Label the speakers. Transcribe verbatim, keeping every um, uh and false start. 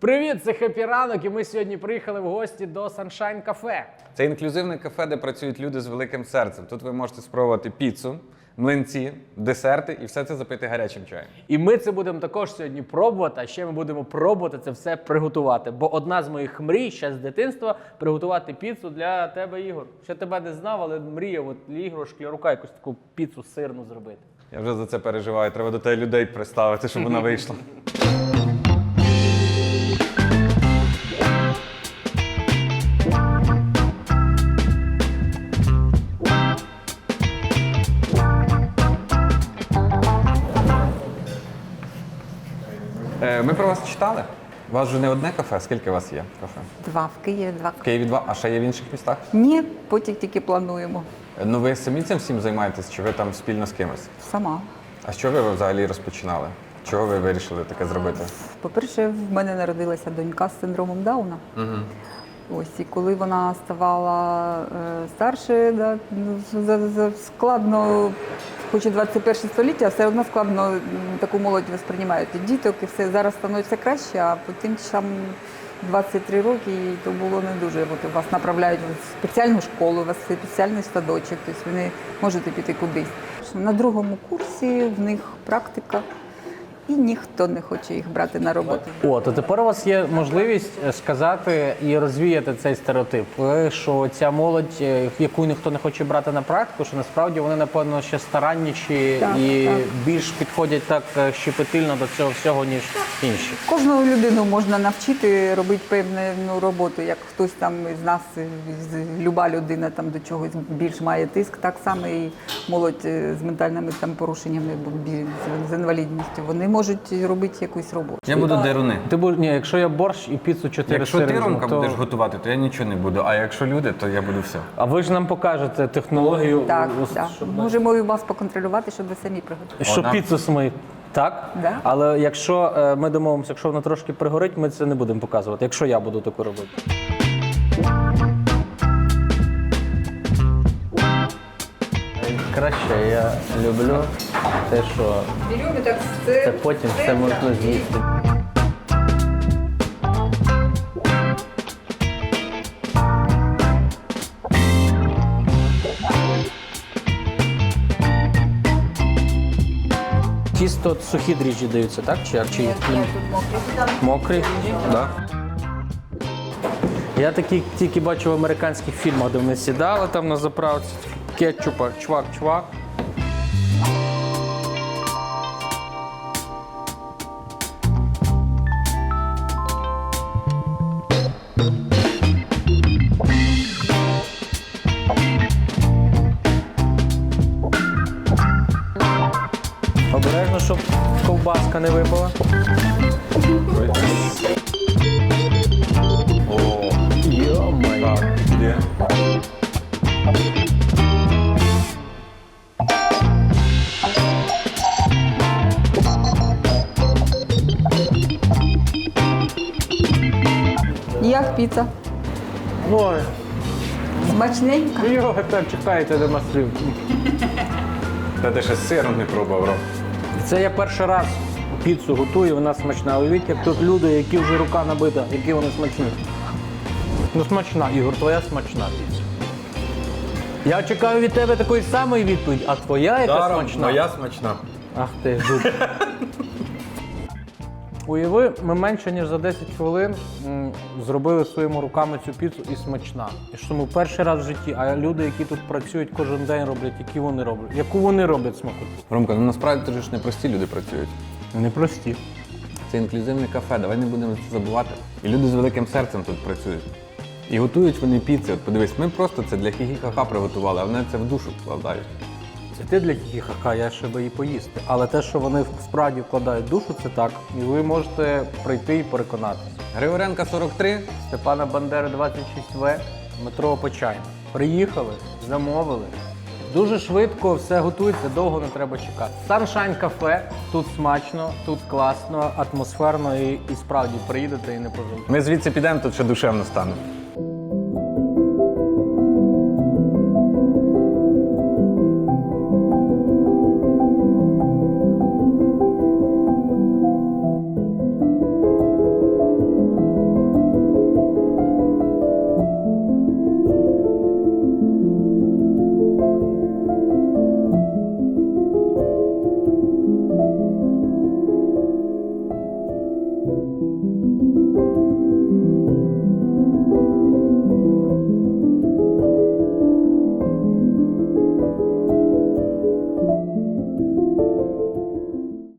Speaker 1: Привіт, це Хеппі Ранок, і ми сьогодні приїхали в гості до Sunshine Cafe.
Speaker 2: Це інклюзивне кафе, де працюють люди з великим серцем. Тут ви можете спробувати піцу, млинці, десерти і все це запити гарячим чаєм.
Speaker 1: І ми це будемо також сьогодні пробувати, а ще ми будемо пробувати це все приготувати. Бо одна з моїх мрій ще з дитинства – приготувати піцу для тебе, Ігор. Ще тебе не знав, але мріяв от для Ігоря Шклярука якусь таку піцу сирну зробити.
Speaker 2: Я вже за це переживаю. Треба до тебе людей приставити, щоб вона вийшла. Ми про вас читали. У вас вже не одне кафе, скільки у вас є кафе?
Speaker 3: Два в Києві, два.
Speaker 2: В Києві два, а ще є в інших містах?
Speaker 3: Ні, потім тільки плануємо.
Speaker 2: Ну ви самі цим всім займаєтесь, чи ви там спільно з кимось?
Speaker 3: Сама.
Speaker 2: А що ви взагалі розпочинали? Чого ви вирішили таке зробити?
Speaker 3: По-перше, в мене народилася донька з синдромом Дауна.
Speaker 2: Угу.
Speaker 3: Ось, і коли вона ставала е, старше, да, ну, за, за, складно, хоч і двадцять перше століття, все одно складно м, таку молодь восприймають. І діток, і все зараз становиться краще, а потім там двадцять три роки, і то було не дуже. От вас направляють в спеціальну школу, у вас спеціальний садочок, тобто ви не можете піти кудись. На другому курсі в них практика. І ніхто не хоче їх брати на роботу.
Speaker 1: О, то тепер у вас є можливість сказати і розвіяти цей стереотип, що ця молодь, яку ніхто не хоче брати на практику, що насправді вони, напевно, ще старанніші
Speaker 3: Так,
Speaker 1: і
Speaker 3: так.
Speaker 1: більш підходять так щепетильно до цього всього, ніж інші.
Speaker 3: Кожну людину можна навчити робити певну роботу, як хтось там із нас, з- люба людина там до чогось більш має тиск, так само і молодь з ментальними там порушеннями, бі- з- з інвалідністю. Вони можуть робити якусь роботу.
Speaker 2: Я буду деруни.
Speaker 1: Ти будеш, ні, якщо я борщ і піцу чотири
Speaker 2: Якщо
Speaker 1: сири
Speaker 2: ти,
Speaker 1: візьму,
Speaker 2: Ромка,
Speaker 1: то...
Speaker 2: будеш готувати, то я нічого не буду. А якщо люди, то я буду все.
Speaker 1: А ви ж нам покажете технологію,
Speaker 3: Так,
Speaker 1: ос-
Speaker 3: так.
Speaker 1: щоб,
Speaker 3: Можемо і вас поконтролювати, щоб ви самі приготували.
Speaker 1: щоб
Speaker 2: Вона-
Speaker 1: піцу смить. Так?
Speaker 3: Да.
Speaker 1: Але якщо е, ми домовимося, якщо вона трошки пригорить, ми це не будемо показувати, якщо я буду таку робити. Краще я люблю те, що це потім все можна з'їсти. Тісто сухі дріжджі даються, так? Чи, чи є? Мокрі?
Speaker 2: Да?
Speaker 1: Я такі тільки бачу в американських фільмах, де вони сідали там на заправці, кетчупа, чвак-чвак. Обережно, щоб ковбаска не випала.
Speaker 2: О,
Speaker 1: Йо-моє.
Speaker 2: так, де?
Speaker 3: Як піца?
Speaker 1: Ой,
Speaker 3: Смачненька.
Speaker 1: його так чекаєте до маслів.
Speaker 2: Та ти ще з сиром не пробував, Ром.
Speaker 1: Це я перший раз піцу готую, вона смачна. Уявіть, як тут люди, які вже рука набита, які вони смачні. Ну смачна, Ігор, твоя смачна піца. Я чекаю від тебе такої самої відповіді, а твоя яка
Speaker 2: Да, Ром,
Speaker 1: смачна?
Speaker 2: моя смачна.
Speaker 1: Ах ти, жут. Уяви, ми менше ніж за десять хвилин м, зробили своїми руками цю піцу і смачна. І що ми перший раз в житті, а люди, які тут працюють кожен день, роблять, які вони роблять. Яку вони роблять смакоту?
Speaker 2: Ромка, ну насправді тут ж не прості люди працюють.
Speaker 1: Вони прості.
Speaker 2: Це інклюзивне кафе, давай не будемо це забувати. І люди з великим серцем тут працюють. І готують вони піци. От подивись, ми просто це для хі-хі-ха-ха приготували, а вони це в душу вкладають.
Speaker 1: Це ти для хі-хі-ха, я ще би її поїсти. Але те, що вони справді вкладають душу, це так. І ви можете прийти і переконатися.
Speaker 2: Григоренка сорок три.
Speaker 1: Степана Бандери двадцять шість В, метро Почайна. Приїхали, замовили. Дуже швидко все готується, довго не треба чекати. Sunshine Cafe, тут смачно, тут класно, атмосферно і, і справді приїдете і не пожалієте.
Speaker 2: Ми звідси підемо, тут ще душевно стане.